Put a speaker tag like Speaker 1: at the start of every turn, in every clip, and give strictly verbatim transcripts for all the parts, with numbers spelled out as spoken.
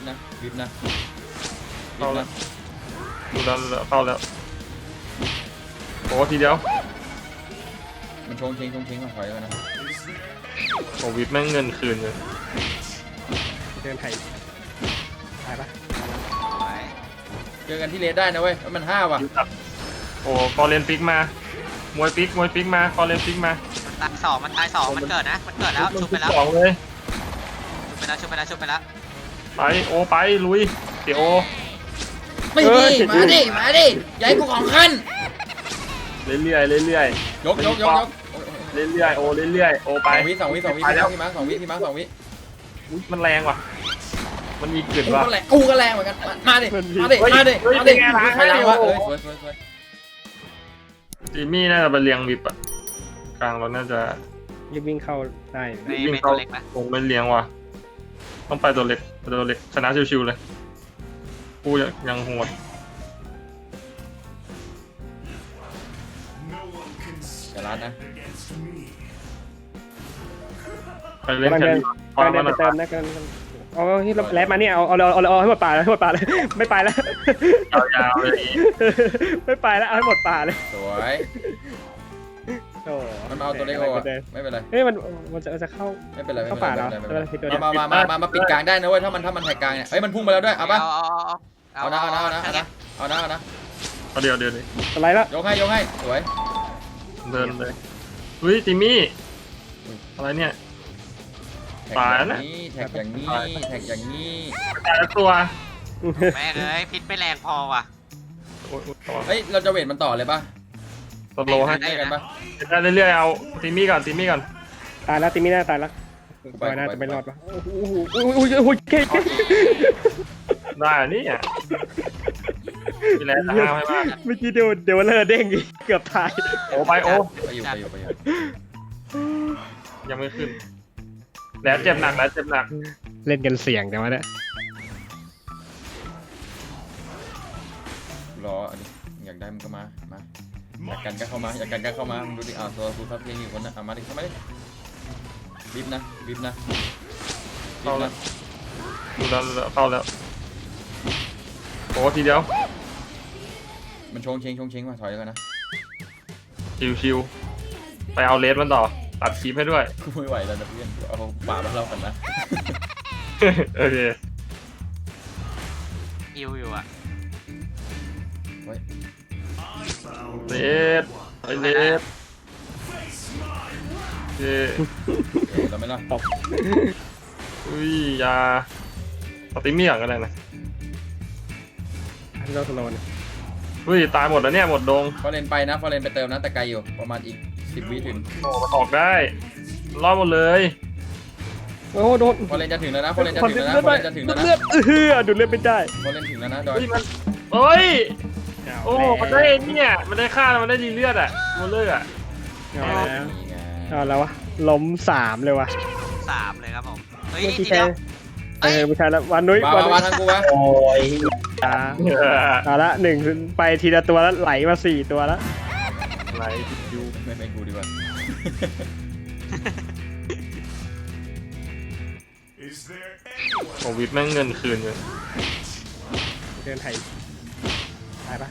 Speaker 1: นะวิบนะวิ
Speaker 2: เข้า
Speaker 1: บ
Speaker 2: แล้ว
Speaker 1: นะ
Speaker 2: ดูแล้วเข้าแล้วโอ้ทีเดียว
Speaker 1: มันชงเชงชงเชงมาถอยกันนะ
Speaker 2: โอ้วิทแม่งเงินคืนเลย
Speaker 3: เดินไถ่ตายปะ
Speaker 1: เจอกันที่เลสได้นะเว้ยมันห้าว่ะ
Speaker 2: โอ้ฟอร์เรนฟิกมามวยฟิกมวยฟิกมาฟอร์เรนฟิกมา
Speaker 4: ตายสองมันตายสองมันเกิดนะมันเกิดแล้วชุบไปแล้ว
Speaker 2: สองเลย
Speaker 4: ชุบไปแล้วชุบไปแล้วชุบไปแล้ว
Speaker 2: ไปโอไปลุยเดี๋ยวโอ
Speaker 1: ไม่ดีมาดิมาดิอย่าให้กูของขั้น
Speaker 2: เรื่อยๆเรื่อย
Speaker 1: ยกยกยกยก
Speaker 2: ๆเรื่อยๆโอเรื่อยๆโอไป
Speaker 1: สองวิสองวิสองวิพี่มาร์คพี่มาร์คสองวิพี่มาร์คสองวิ
Speaker 2: อุ๊ยมันแรงว่ะมันมีกลิ่น
Speaker 1: กู
Speaker 2: ว่ะ
Speaker 1: ก็แรงกูก็แรงเหมือนกันมาดิมาดิมาดิมาดิใครล้างวะเอ้ยสวยสวยสวย
Speaker 2: จิมมี่น่าจะไปเลี้ยงวิปอะกลางเราน่าจะ
Speaker 3: รีบวิ่งเข้าได้
Speaker 4: ในเมตัวเล็กนะ
Speaker 2: คงไม่เลี้ยงว่ะต้องไปตัวเล็กไปตัวเล็กชนะชิวๆเลยกูยังโหด
Speaker 1: อย่าล้านนะ
Speaker 2: ไปเล่น
Speaker 3: กำลัง
Speaker 2: แค่
Speaker 3: เดิน
Speaker 2: นี้
Speaker 3: กำลังเดินไปเติมนะกำลังเอาที่แลบมาเนี่ยเอาเอาเอาเอาให้หมดป่าเลยให้หมดป่าเลยไม่ไปแล้ว
Speaker 2: ยาวๆเลย
Speaker 3: ไม่ไปแล้วเอาให้หมดป่าเลย
Speaker 1: สวย
Speaker 3: โอ้
Speaker 1: มันมาเอาตัวเล็กโอ้ไม่เป็นไร
Speaker 3: เฮ้ยมันมันจะจะเข้า
Speaker 1: ไม่เป็นไรไม่
Speaker 3: เข้า
Speaker 1: เป็น
Speaker 3: ป่า
Speaker 1: ไร
Speaker 3: แล้ว
Speaker 1: ไม่เป็นไร
Speaker 3: ตัว
Speaker 1: มามามามามาปิดกลางได้นะเว้ยถ้ามันถ้ามันแทกกลางเนี่ยเฮ้ยมันพุ่งมาแล้วด้วยเอาปะ
Speaker 4: เอาเอา
Speaker 1: เอานะเอานะเอานะเอานะเอานะ
Speaker 2: เอาเดี๋ยวเดี๋ยวดิ
Speaker 3: อะไรแล้ว
Speaker 1: ยกให้ยกให้สวย
Speaker 2: เดินเลยเฮ้ยจิมมี่อะไรเนี่ย
Speaker 1: แท็กอย่างนี้แท็กอย่างนี้แท็กอย่างนี้
Speaker 2: แต่ละตัว
Speaker 4: แม่งเอ้ยพิษไม่แรงพอว่ะ
Speaker 2: โอ้ยต่อ
Speaker 1: เฮ้ยเราจะเวทมันต่อเลยปะ
Speaker 2: สโลว์ให้
Speaker 1: ได้กันปะ
Speaker 2: ได้เรื่อยๆเอาจิมมี่ก่อนจิมมี่ก่อน
Speaker 3: ตายแล้วติมิน่าตายแล้ว
Speaker 1: ไป
Speaker 3: ตายน่า
Speaker 1: ไป
Speaker 3: จะไม่รอดปะโอ้โหโอ้โหโอ้โหโอ้โหเก่ง
Speaker 2: ได้อันนี่อ่ะมีแรงห้ามให้มาก
Speaker 3: เมื่อกี้เดี๋ยวเดี๋ยวเลอเด้งอีกเกือบตาย
Speaker 2: โอ้ไปโอ้
Speaker 1: ไปอยู่ไปอยู่ไปอยู่
Speaker 2: ยังไม่ขึ้นแล้วเจ็บหนักแล้วเจ็บหนัก
Speaker 3: เล่นกันเสียงแต่ว่าเนี่ย
Speaker 1: รออันนี้อยากได้มันก็มามาอยากกันก็เข้ามาอยากกันก็เข้ามามึงดูดิอ้าวตัวกูทับเพลงอยู่คนน่ะเอามาดิเข้ามาดิบีบนะบีบนะบี
Speaker 2: เข้า
Speaker 1: บ
Speaker 2: แล้
Speaker 1: นะ
Speaker 2: วดูแล้วเข้าแล้วโอ้ทีเดียว
Speaker 1: มันชงเชงชงเชงมาถอยกันนะ
Speaker 2: ชิวๆไปเอาเลสมันต่อตัดคลิปให้ด้วย
Speaker 1: กูไม่ไหวแล้วนะเพื่อนเอาป่ามาเล่ากันนะ
Speaker 2: โอเค
Speaker 4: อิวอยู่อ่ะ
Speaker 1: เฮ้ย
Speaker 2: เลสไปเลสโอเค
Speaker 1: เดี๋ยวเราไม่รอด
Speaker 2: อุ้ยยาสติมี่อย่างกันเลยนะ
Speaker 3: อันเราสโลน
Speaker 2: อุ้ยตายหมดแล้วเนี่ยหมดดง
Speaker 1: ฟอร์เรนไปนะฟอร์เรนไปเติมนะแต่ไกลอยู่ประมาณอีกสิบวิถึง
Speaker 2: โอ้มันออกได้รอดหมดเลย
Speaker 3: โอ้โหโดน
Speaker 1: ฟอร์เรนจะถึงแล้วนะฟอร์เรนจะ
Speaker 3: คอน
Speaker 1: ถึ
Speaker 3: เท
Speaker 1: ง
Speaker 3: น
Speaker 1: แล้ว
Speaker 3: ต์
Speaker 1: นะ
Speaker 3: เลื
Speaker 1: ฟ
Speaker 3: อ
Speaker 1: อ
Speaker 3: ด
Speaker 1: ร์เรนจะถึงแล้วนะ
Speaker 3: เลือดเออดูดเลือดไม่ได้
Speaker 1: ฟอร์เรนถึงแล้วนะดอย
Speaker 2: เฮ้ยมันเฮ้ยโอ้มันได้เนี่ยมันได้ค่าแล้วมันได้ดีเลือดอ่ะมันเลือดอ่ะ
Speaker 3: เอาแล้ว
Speaker 1: นี่ไง
Speaker 3: เอาแล้ววะล้มสามเลยวะ
Speaker 4: สามเลยครับผมเฮ้ย
Speaker 3: เมื่อ
Speaker 4: ที
Speaker 3: กี้
Speaker 4: เดี
Speaker 3: ใช่
Speaker 4: ยว
Speaker 3: เออไม่ใช่แล้ววันนุ้ย
Speaker 1: มา
Speaker 3: วัน
Speaker 1: มา
Speaker 3: นุ้
Speaker 1: มาย ทางกูวะ
Speaker 3: โอ้ยตาเอาละหนึ่งไปทีละตัวแล้วไหลมาสี่ตัวแล้ว
Speaker 2: ไหลคิว
Speaker 1: ไม่เป็นกูดีกว่า
Speaker 2: โอ้วิทแม่งเงินคืนเลย
Speaker 3: เดินไถ่ตายปะ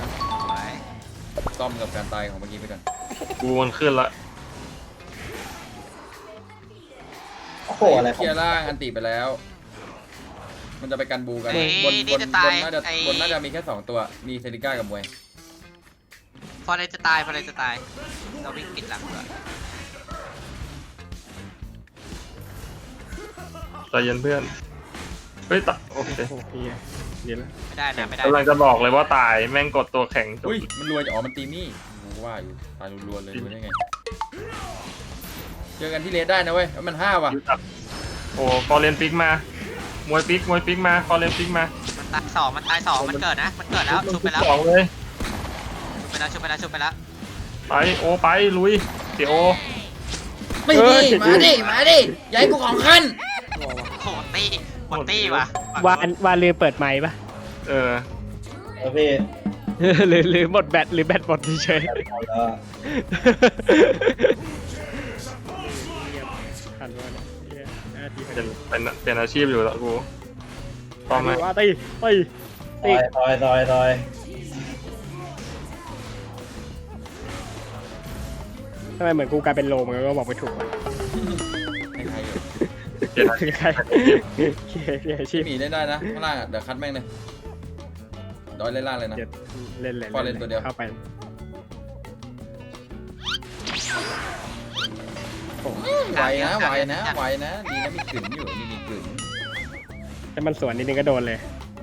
Speaker 1: ซ่อมกับการตายของเมื่อกี้ไปก่อน
Speaker 2: กูมันขึ้นละ
Speaker 5: โอ้โหอะไรข
Speaker 1: เค
Speaker 5: อง
Speaker 1: ลียร์ล่างอันติไปแล้ว มันจะไปกันบูกันบนบนบนน่าจะบนน่าจะมีแค่สองตัวมีเซริก้ากับมวย
Speaker 4: พอเลยจะตายพอเลยจะตายเราวิ่งปิดหลังก่อน
Speaker 2: ใจเย็นเพื่อนเฮ้ยตะโอเค
Speaker 3: โอ้โหเดี๋ยวแล้ว
Speaker 4: ไม่ได้นะไม่ได้
Speaker 2: กำลังจะบอกเลยว่าตายแม่งกดตัวแข็งจบ
Speaker 1: อุ้ยมันรวยอ๋อมันตีมี่กูว่าอยู่ตายรวยเลยรวยได้ไงเจอกันที่เลสได้นะเว้ยมันห้าว่ะ
Speaker 2: โอ้ฟอร์เรนฟิกมามวยฟิกมวยฟิกมาฟอร์เรนฟิกมา
Speaker 4: มันตายสองมันตายสองมันเกิดนะมันเกิดแล้วชุบไปแล้ว
Speaker 2: สองเลย
Speaker 4: ชุบไปแล้วชุบไปแล้วชุบไปแล้ว
Speaker 2: ไปโอไปลุยเดี๋ยวโอ
Speaker 1: ไม่ดีมาดิมาดิอย่าให้กูของขั้น
Speaker 4: โอ้โหตี้หมดตี้ว่ะ
Speaker 3: วานวานลืมเปิดไมค์ปะ
Speaker 2: เออ
Speaker 5: เออพี่
Speaker 3: หรือหรือหมดแบตหรือแบตหมดเฉย
Speaker 5: เอาแล้ว
Speaker 3: ทันวะเนี่ยห้าที
Speaker 2: เป็นเป็นเป็นอาชีพอยู่แล้วกูป้อมไหม
Speaker 3: ว่าตีตี
Speaker 5: ซอยซอยซอยซอย
Speaker 3: ทำไมเหมือนกูกลายเป็นโลมันก็บอกไม่ถูกวะ
Speaker 1: ให้ใครอยู่
Speaker 2: เจ็ดนาที
Speaker 3: ใครเขียเขียชี
Speaker 1: พี่
Speaker 3: พ
Speaker 1: หมีเล่นได้นะข้างล่างอะเดี๋ยวคัดแม่งเลยดอยเล่นล่างเลยนะ
Speaker 3: เจ็ดเล่นเลย
Speaker 1: พอเล่นตัวเดียว
Speaker 3: เข้าไป
Speaker 1: ไหวนะไหวนะไหวนะดีนะมีกลิ่นอยู่นี่มีกลิ่น
Speaker 3: แต่มันสวนนิดนึงก็โดนเลย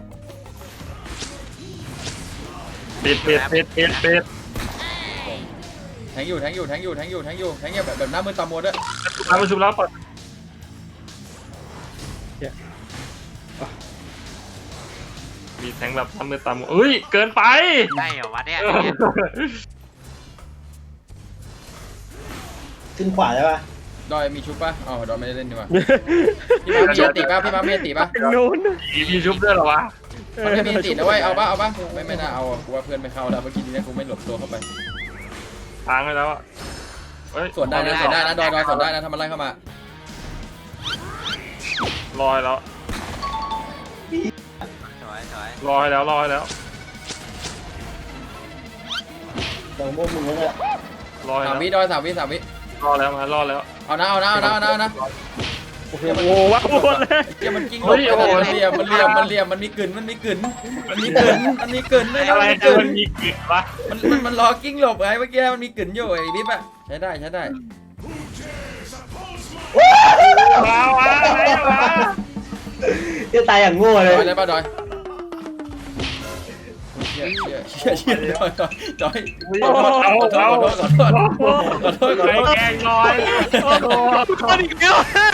Speaker 2: ปิดปิดปิดปิดปิด
Speaker 1: แทงอยู่แทงอยู่แทงอยู่แทงอยู่แทงอยู่แทงอยู่แบบแบบหน้ามือตามัวด้วย
Speaker 2: ทำประชุมแล้วปลดมีแทงแบบทำมือตามเอ้ยเกินไป
Speaker 4: ได้เหรอวะเนี่ย
Speaker 5: ขึ้นขวาใช่ป่ะ
Speaker 1: ดอยมีชุบป่ะอ๋อดอยไม่ได้เล่นดีกว่าพี่มามีติป่ะพี่มามีติป่ะ
Speaker 3: นู้น
Speaker 2: มีมีชุบด้วยเหรอวะ
Speaker 1: มันไม่มีตินะเว้ยเอาป่ะเอาป่ะไม่ไม่น่าเอาอะกูว่าเพื่อนไม่เข้าแล้วเมื่อกี้นี้กูไม่หลบตัวเข้าไป
Speaker 2: ทางไปแล้วอ่ะเฮ้ย
Speaker 1: ส่วนได้นะส่วนได้นะดอยดอยส่วนได้นะทำอะไรเข้ามา
Speaker 2: ลอยแล้ว
Speaker 4: สวยสวย
Speaker 2: ลอยแล้วลอยแล้ว
Speaker 5: ตรงมุมมึงเนี่ย
Speaker 2: ลอย
Speaker 1: สาม
Speaker 2: แล้ว
Speaker 1: วิดอยสามวิสามวิ
Speaker 2: รอแล้วมารอแล้ว
Speaker 1: เอานะเอานะเอานะเอานะเอานะ
Speaker 3: โอ้โหว้าวหมดเลย
Speaker 1: เกี่ยมันกิ้งหลบไปมันเหลี่ยมมันเหลี่ยมมันเหลี่ยมมันมีกลืนมันมีกลืนมันมีกลืนมันมีกลืนด้วยนะ
Speaker 2: อะไร
Speaker 1: มันมีก
Speaker 2: เกิ
Speaker 1: ลื
Speaker 2: น
Speaker 1: น
Speaker 2: มีกลิ่นวะ
Speaker 1: มันมันมันรอกิ้งหลบไงเมื่อกี้มันมีกลืนอยู่ไอ้บิ๊บอะใช้ได้ใช้ได้
Speaker 2: ว้าวว้าวอะไรวะ
Speaker 5: จะตายอย่างโง่
Speaker 1: ด
Speaker 5: เลย
Speaker 1: อยได้ป่ะดอยเชี่ยเชี่ยเชี่ยเชี่ยดอยดอยดอยขอโทษขอโทษขอโทษขอโทษขอโทษขอโทษ
Speaker 2: ใครแกล้งลอยโอ้โห
Speaker 3: อีกแล้ว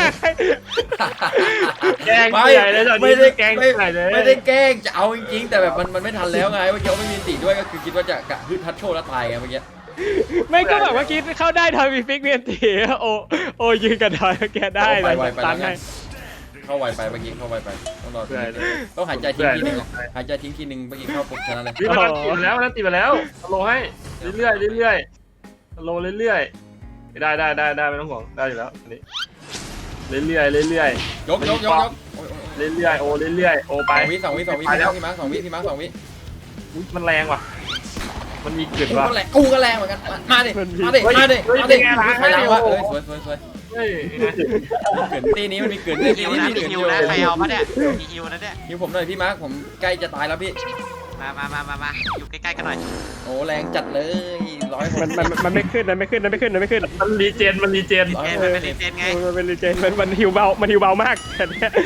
Speaker 2: แกล้ง
Speaker 1: ไม่
Speaker 2: ใหญ่เลยตอน
Speaker 1: ไม่
Speaker 2: นี้
Speaker 1: ได้
Speaker 2: แกล้ง
Speaker 1: ไม่
Speaker 2: ใหญ่เลย
Speaker 1: ไม่ได้แกล้งจะเอาจริงๆแต่แบบมันมันไม่ทันแล้วไงเมื่อกี้ไม่มีติด้วยก็คือคิดว่าจะกะฮึดทัดโชว์แล้วตายไงเมื่อกี้
Speaker 3: ไม่ก็แบบว่าคิดเข้าได้ทอยมีฟิกเมียนตีโอโอยืนกับดอยแกได้
Speaker 1: ไป
Speaker 3: เลย
Speaker 1: ไวไป
Speaker 3: ตั
Speaker 1: แล้ว
Speaker 3: น
Speaker 1: ไง
Speaker 3: ให้
Speaker 1: เข้าไวไปเมื่อกี้เข้าไวไปต้องรอ
Speaker 2: เพื่อนเลย
Speaker 1: ต้องหายใจทิ้งทีนึงหายใจทิ้งทีนึงเมื่อกี้เข้าปุ๊บชนะเลย
Speaker 2: นี่มันติดไปแล้วมันติดไปแล้วโลให้เรื่อยๆเรื่อยๆโลเรื่อยๆได้ได้ได้ได้ไม่ต้องห่วงได้อยู่แล้วอันนี้เรื่อยๆเรื่อย
Speaker 1: ยกยกยกยก
Speaker 2: ๆเรื่อยๆโอเรื่อยๆโอไป
Speaker 1: สองวิสองวิสองวิพี่มาร์คพี่มาร์คสองวิพี่มาร์คสองวิ
Speaker 2: อุ๊ยมันแรงว่ะมันมีกลิ่น
Speaker 1: กู
Speaker 2: ว่ะ
Speaker 1: ก็แรงกูก็แรงเหมือนกันมาดิมาดิมาดิมาดิใครล้างวะเอ้ยสวยสวยสวย
Speaker 2: เฮ้ย
Speaker 1: เกินตีนี้มันมีเกิน
Speaker 4: มี
Speaker 1: ตี
Speaker 4: ฮิว
Speaker 1: นี้
Speaker 4: นะ
Speaker 1: มี
Speaker 4: มี
Speaker 1: เกิน
Speaker 4: ฮิ
Speaker 1: อ
Speaker 4: ว
Speaker 1: ยู่
Speaker 4: นะใครเอาปะเนี่ยมีฮิวนะเนี่ย
Speaker 1: ฮิวผมหน่อยพี่มาร์คผมใกล้จะตายแล้วพี่
Speaker 4: มามามามามาอยู่ใกล้ๆกันหน่อย
Speaker 1: โอ้แรงจัดเลยร้อย
Speaker 3: มันมันมันไม่ขึ้นมันไม่ขึ้นมันไม่ขึ้นมันไม่ขึ้น
Speaker 2: มันรีเจนมันรีเจน
Speaker 4: เจนมันเป็นรีเจนไง
Speaker 3: มันเป็นรีเจนมันมันฮิวเบามันฮิวเบามากแต่เนี้ย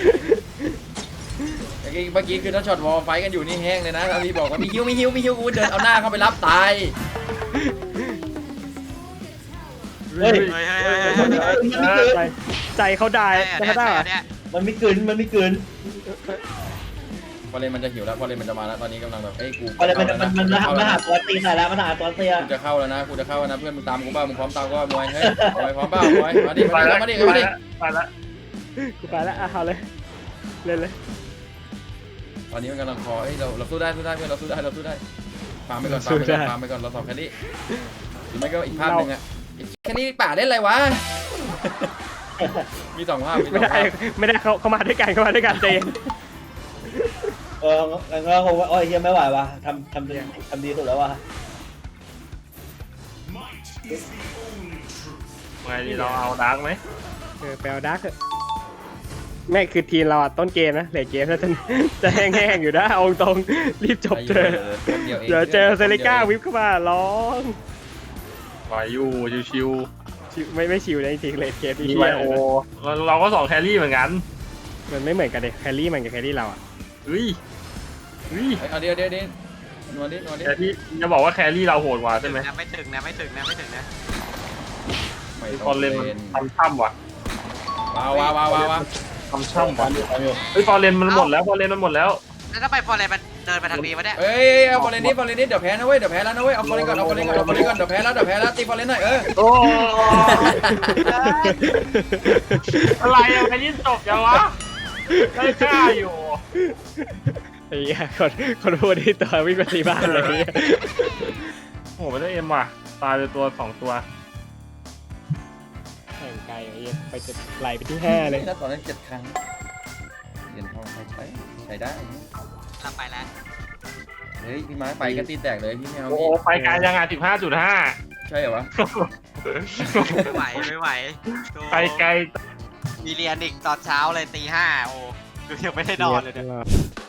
Speaker 1: เมื่อกี้คือถ้าช็อตวอลไฟกันอยู่นี่แห้งเลยนะถ้าพี่บอกว่ามีฮิวมีฮิวมีฮิวกูเดินเอาหน้าเข้าไปรับตาย
Speaker 5: เฮ้ย
Speaker 4: เฮ้ยเฮ้ยเฮ้ยเฮ้ยเฮ้ย
Speaker 5: มันไม่เกิน
Speaker 3: ใจใจเขาได้
Speaker 4: เนี่ย
Speaker 3: แต่เขาได้
Speaker 4: เนี่ย
Speaker 5: มันไม่เกินมันไม่เกิน
Speaker 1: พอเลนมันจะหิวแล้วพอเลนมันจะมาแล้วตอนนี้กำลังแบบเอ้ยกู
Speaker 5: อะไรมันมันมันมันมันหาตัวตีใส่แล้วมันหาตัวเตีย
Speaker 1: กูจะเข้าแล้วนะกูจะเข้าแล้วนะเพื่อนมึงตามกูบ้ามึงพร้อมตามกูบ้ามวยเฮ้ยมวยพร้อมบ้ามวยมาดิ
Speaker 2: ไป
Speaker 1: มาดิ
Speaker 2: แล้ว
Speaker 1: มาดิมาดิ
Speaker 2: ไปแล้ว
Speaker 3: กูไปแล้วอ่ะเอาเลยเล่นเลย
Speaker 1: ตอนนี้มันกำลังคอเฮ้ยเราเราสู้ได้สู้ได้เพื่อนเราสู้ได้เราสู้ได้ฟาร์มไปก่อนฟาร์มไปก่อนฟาร์มไปก่อนเราสองแค่นี้หรือไม่ก็อีกภาพหนึ่งอะแค่นี้ป่าได้ไรวะมีสองภาพมีส
Speaker 3: ไม่
Speaker 1: อง
Speaker 3: ได้
Speaker 1: ภาพ
Speaker 3: ไม่ได้เขาเขามาด้วยกันเขามาด้วยกันใจเย็น
Speaker 5: เอองั้นก็คงว่าโอ้ยเฮียไม่ไหวว่ะทำทำดีทำดีสุดแล้วว่ะ
Speaker 2: ไงดีเราเอาดาร์กไหม
Speaker 3: เออไปเอาดาร์กเถอะไม่คือทีมเราอะต้นเกมนะเหลยเกมแล้วจะจะแห้งๆอยู่นะเอาตรงรีบจบเถอะเดี๋ยวเจอเซริก้าวิปเข้ามาร้อง
Speaker 2: ไหวอยู่ชิว
Speaker 3: ชิวไม่ไม่ชิวนะจริงๆเลดเกม
Speaker 2: ๆ
Speaker 3: ที่
Speaker 2: มี
Speaker 3: เฮี
Speaker 2: ไวย โอเราเราก็สองแครี่เหมือนกัน
Speaker 3: มันไม่เหมือนกันเลยแครี่มันกับแครี่เราอะ
Speaker 2: เฮ้ยเฮ้ย
Speaker 1: เอาเดี๋ยวเดี๋ยวเดี๋ยวนัวดินัวดิ
Speaker 2: แครี่จะบอกว่าแครี่เราโหดกว่าใช่ไหม
Speaker 4: นะไม่ถึงนะไม่ถึงนะไม่ถึงนะ
Speaker 1: ไม่
Speaker 2: ต
Speaker 1: ต้
Speaker 2: อ
Speaker 1: อน ง
Speaker 2: เล่
Speaker 1: เล่
Speaker 2: น
Speaker 1: น
Speaker 2: มันทำช่ำว่ะ
Speaker 1: ว้าวว้าวว้าวว้าว
Speaker 2: ทำช่ำว่ะ
Speaker 5: ทำอยู่ทำอยู่
Speaker 2: เฮ้ยฟอร์เรนมันหมดแล้วฟอร์เรนมันหมดแล้ว
Speaker 4: แล้วถ้าไปฟอร์เรนมันเดินไปทางนี้วะเนี่ย
Speaker 1: เอ้ยเอาบอลเลนนี่บอลเลนนี่เดี๋ยวแพ้นะเว้ยเดี๋ยวแพ้แล้วนะเว้ยเอาบอลเลนก่อนเอาบอลเลนก่อนเอาบอลเลนก่อนเดี๋ยวแพ้แล้วเดี๋ยวแพ้แล้วตีบอลเลนหน่อยเออ
Speaker 2: โอ้อะไรอะแค่ยิ่งจบยังวะได้กล้าอยู่
Speaker 3: ไอ้เหี้ยคนคนพูดที่ตัววิ่งไปตีบ้านเลย
Speaker 2: โอ้โหไม่ได้เอ็มว่ะตายไปตัวสองตัว
Speaker 3: แข่งไกลไอ้เหี้ยไปจะไหลไปที่ห้าเลย
Speaker 1: แล้วตอนนั้นเจ็ดครั้งเหรียญทองใครใช้ใช้ได้
Speaker 4: เราไปแล้ว
Speaker 1: เฮ้ยพี่ไม้ไปก็ตีแตกเลยพี่แมว
Speaker 2: โอ้
Speaker 1: พี่
Speaker 2: ไปไกลยังอ่ะสิบห้าจุดห้า
Speaker 1: ใช่เหรอวะ
Speaker 4: ไม่ไหวไม่ไหวโธ่
Speaker 2: ไปไกล
Speaker 4: มีเรียนอีกตอนเช้าเลยตีห้าโอ้ดูยังไม่ได้นอนเลยเนี่ย
Speaker 3: เรียบร้อย